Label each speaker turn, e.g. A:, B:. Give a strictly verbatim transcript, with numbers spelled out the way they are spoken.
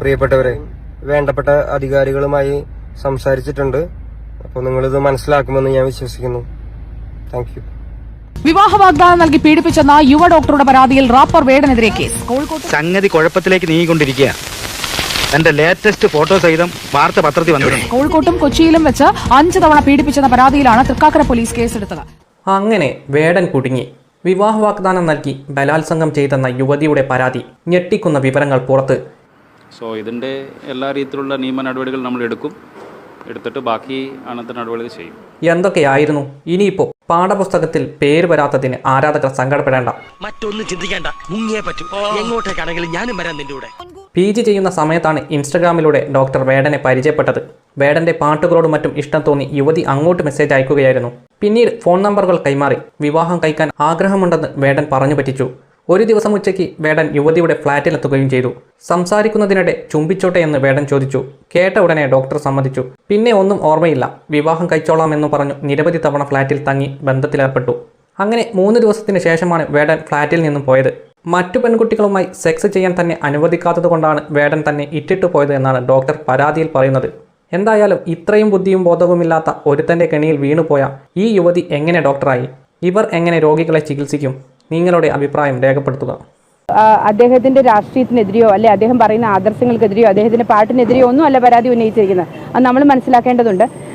A: പ്രിയപ്പെട്ടവരെ, വേണ്ടപ്പെട്ട അധികാരികളുമായി സംസാരിച്ചിട്ടുണ്ട്. അപ്പോൾ നിങ്ങളിത് മനസ്സിലാക്കുമെന്ന് ഞാൻ വിശ്വസിക്കുന്നു. Thank you.
B: വിവാഹ വാഗ്ദാനം നൽകി പീഡിപ്പിച്ചെന്ന യുവ ഡോക്ടറുടെ പരാതിയിൽ റാപ്പർ വേടനെതിരെ കേസ്.
C: സംഗതി കുഴപ്പത്തിലേക്ക് നീങ്ങിക്കൊണ്ടിരിക്കുക. എന്റെ ലേറ്റസ്റ്റ് ഫോട്ടോ സഹിതം വാർത്ത പത്രത്തിൽ വന്നു.
B: കോഴിക്കോട്ടും കൊച്ചിയിലും വെച്ച് അഞ്ച് തവണ പീഡിപ്പിച്ചെന്ന പരാതിയിലാണ് തൃക്കാക്കര പോലീസ് കേസെടുത്തത്.
D: അങ്ങനെ വേടൻ കുടുങ്ങി. വിവാഹ വാഗ്ദാനം നൽകി ബലാത്സംഗം ചെയ്തെന്ന യുവതിയുടെ പരാതി. ഞെട്ടിക്കുന്ന വിവരങ്ങൾ പുറത്ത്.
E: സോ ഇതിൻ്റെ എല്ലാ രീതിയിലുള്ള നിയമ നടപടികൾ നമ്മൾ എടുക്കും. എടുത്തിട്ട് ബാക്കി അനന്തര നടപടികൾ ചെയ്യും.
D: എന്തൊക്കെയായിരുന്നു? ഇനിയിപ്പോ പാഠപുസ്തകത്തിൽ പേര് വരാത്തതിന് ആരാധകർ സങ്കടപ്പെടേണ്ട.
F: മറ്റൊന്നും ചിന്തിക്കേണ്ട, മുങ്ങിയേ പറ്റൂ. എങ്ങോട്ടേക്കാണെങ്കിലും ഞാനും വരാൻ നിന്റെ കൂടെ.
D: പി ജി ചെയ്യുന്ന സമയത്താണ് ഇൻസ്റ്റഗ്രാമിലൂടെ ഡോക്ടർ വേടനെ പരിചയപ്പെട്ടത്. വേടന്റെ പാട്ടുകളോടും മറ്റും ഇഷ്ടം തോന്നി യുവതി അങ്ങോട്ട് മെസ്സേജ് അയക്കുകയായിരുന്നു. പിന്നീട് ഫോൺ നമ്പറുകൾ കൈമാറി. വിവാഹം കഴിക്കാൻ ആഗ്രഹമുണ്ടെന്ന് വേടൻ പറഞ്ഞു പറ്റിച്ചു. ഒരു ദിവസം ഉച്ചയ്ക്ക് വേടൻ യുവതിയുടെ ഫ്ളാറ്റിലെത്തുകയും ചെയ്തു. സംസാരിക്കുന്നതിനിടെ ചുംബിച്ചോട്ടെ എന്ന് വേടൻ ചോദിച്ചു. കേട്ട ഉടനെ ഡോക്ടർ സമ്മതിച്ചു. പിന്നെ ഒന്നും ഓർമ്മയില്ല. വിവാഹം കഴിച്ചോളാം എന്ന് പറഞ്ഞു നിരവധി തവണ ഫ്ളാറ്റിൽ തങ്ങി ബന്ധത്തിലേർപ്പെട്ടു. അങ്ങനെ മൂന്ന് ദിവസത്തിന് ശേഷമാണ് വേടൻ ഫ്ളാറ്റിൽ നിന്നും പോയത്. മറ്റു പെൺകുട്ടികളുമായി സെക്സ് ചെയ്യാൻ തന്നെ അനുവദിക്കാത്തതുകൊണ്ടാണ് വേടൻ തന്നെ ഇട്ടിട്ടു പോയത് എന്നാണ് ഡോക്ടർ പരാതിയിൽ പറയുന്നത്. എന്തായാലും ഇത്രയും ബുദ്ധിയും ബോധവുമില്ലാത്ത ഒരുത്തൻ്റെ കെണിയിൽ വീണുപോയ ഈ യുവതി എങ്ങനെ ഡോക്ടറായി? ഇവർ എങ്ങനെ രോഗികളെ ചികിത്സിക്കും? നിങ്ങളുടെ അഭിപ്രായം രേഖപ്പെടുത്തുക.
G: അദ്ദേഹത്തിന്റെ രാഷ്ട്രീയത്തിനെതിരെയോ അല്ലെ അദ്ദേഹം പറയുന്ന ആദർശങ്ങൾക്കെതിരെയോ അദ്ദേഹത്തിന്റെ പാട്ടിനെതിരെയോ ഒന്നും അല്ല പരാതി ഉന്നയിച്ചിരിക്കുന്നത്. അത് നമ്മൾ മനസ്സിലാക്കേണ്ടതുണ്ട്.